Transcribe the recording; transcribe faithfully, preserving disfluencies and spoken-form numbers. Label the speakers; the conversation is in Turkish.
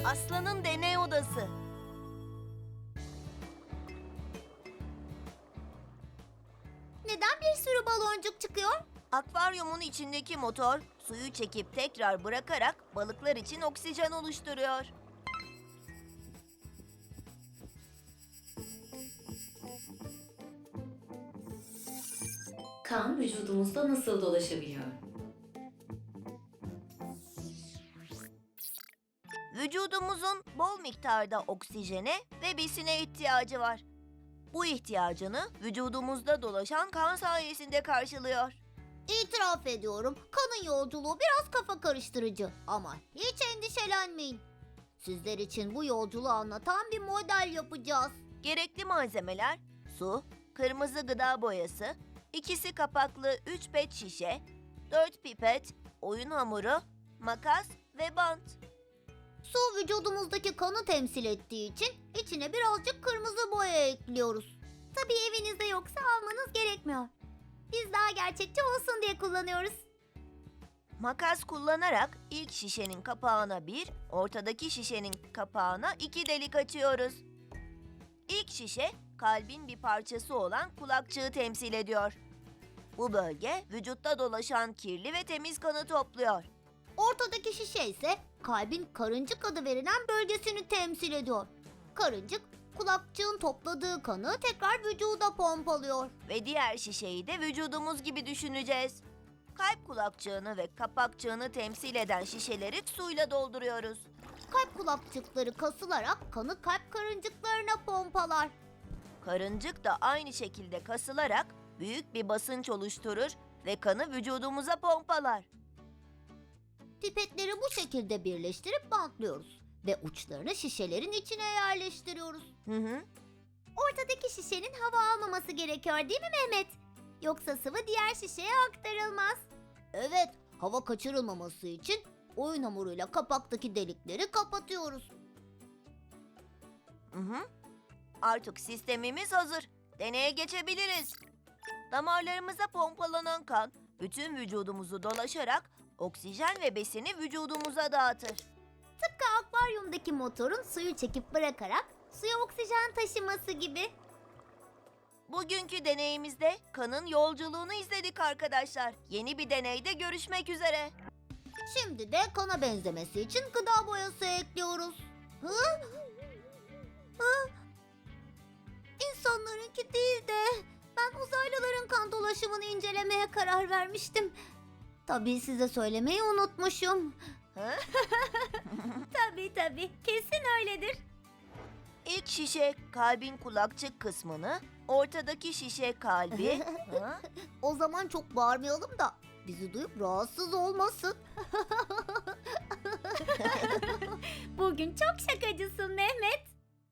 Speaker 1: Aslanın deney odası.
Speaker 2: Neden bir sürü baloncuk çıkıyor?
Speaker 1: Akvaryumun içindeki motor suyu çekip tekrar bırakarak balıklar için oksijen oluşturuyor.
Speaker 3: Kan vücudumuzda nasıl dolaşabiliyor?
Speaker 1: Vücudumuzun bol miktarda oksijene ve besine ihtiyacı var. Bu ihtiyacını vücudumuzda dolaşan kan sayesinde karşılıyor.
Speaker 2: İtiraf ediyorum, kanın yolculuğu biraz kafa karıştırıcı. Ama hiç endişelenmeyin. Sizler için bu yolculuğu anlatan bir model yapacağız.
Speaker 1: Gerekli malzemeler su, kırmızı gıda boyası, ikisi kapaklı üç pet şişe, dört pipet, oyun hamuru, makas ve bant.
Speaker 2: Su vücudumuzdaki kanı temsil ettiği için içine birazcık kırmızı boya ekliyoruz. Tabii evinizde yoksa almanız gerekmiyor. Biz daha gerçekçi olsun diye kullanıyoruz.
Speaker 1: Makas kullanarak ilk şişenin kapağına bir, ortadaki şişenin kapağına iki delik açıyoruz. İlk şişe kalbin bir parçası olan kulakçığı temsil ediyor. Bu bölge vücutta dolaşan kirli ve temiz kanı topluyor.
Speaker 2: Ortadaki şişe ise kalbin karıncık adı verilen bölgesini temsil ediyor. Karıncık, kulakçığın topladığı kanı tekrar vücuda pompalıyor.
Speaker 1: Ve diğer şişeyi de vücudumuz gibi düşüneceğiz. Kalp kulakçığını ve kapakçığını temsil eden şişeleri suyla dolduruyoruz.
Speaker 2: Kalp kulakçıkları kasılarak kanı kalp karıncıklarına pompalar.
Speaker 1: Karıncık da aynı şekilde kasılarak büyük bir basınç oluşturur ve kanı vücudumuza pompalar.
Speaker 2: Pipetleri bu şekilde birleştirip bantlıyoruz ve uçlarını şişelerin içine yerleştiriyoruz.
Speaker 1: Hı hı.
Speaker 2: Ortadaki şişenin hava almaması gerekiyor değil mi Mehmet? Yoksa sıvı diğer şişeye aktarılmaz. Evet, hava kaçırılmaması için oyun hamuruyla kapaktaki delikleri kapatıyoruz.
Speaker 1: Hı hı. Artık sistemimiz hazır. Deneye geçebiliriz. Damarlarımıza pompalanan kan bütün vücudumuzu dolaşarak oksijen ve besini vücudumuza dağıtır.
Speaker 2: Tıpkı akvaryumdaki motorun suyu çekip bırakarak suya oksijen taşıması gibi.
Speaker 1: Bugünkü deneyimizde kanın yolculuğunu izledik arkadaşlar. Yeni bir deneyde görüşmek üzere.
Speaker 2: Şimdi de kana benzemesi için gıda boyası ekliyoruz. Hı? Hı? İnsanlarınki değil de ben uzaylıların kan dolaşımını incelemeye karar vermiştim. Tabii size söylemeyi unutmuşum.
Speaker 1: Hı?
Speaker 2: Tabii tabii, kesin öyledir.
Speaker 1: İlk şişe kalbin kulakçık kısmını, ortadaki şişe kalbi. Hı?
Speaker 2: O zaman çok bağırmayalım da bizi duyup rahatsız olmasın. Bugün çok şakacısın Mehmet.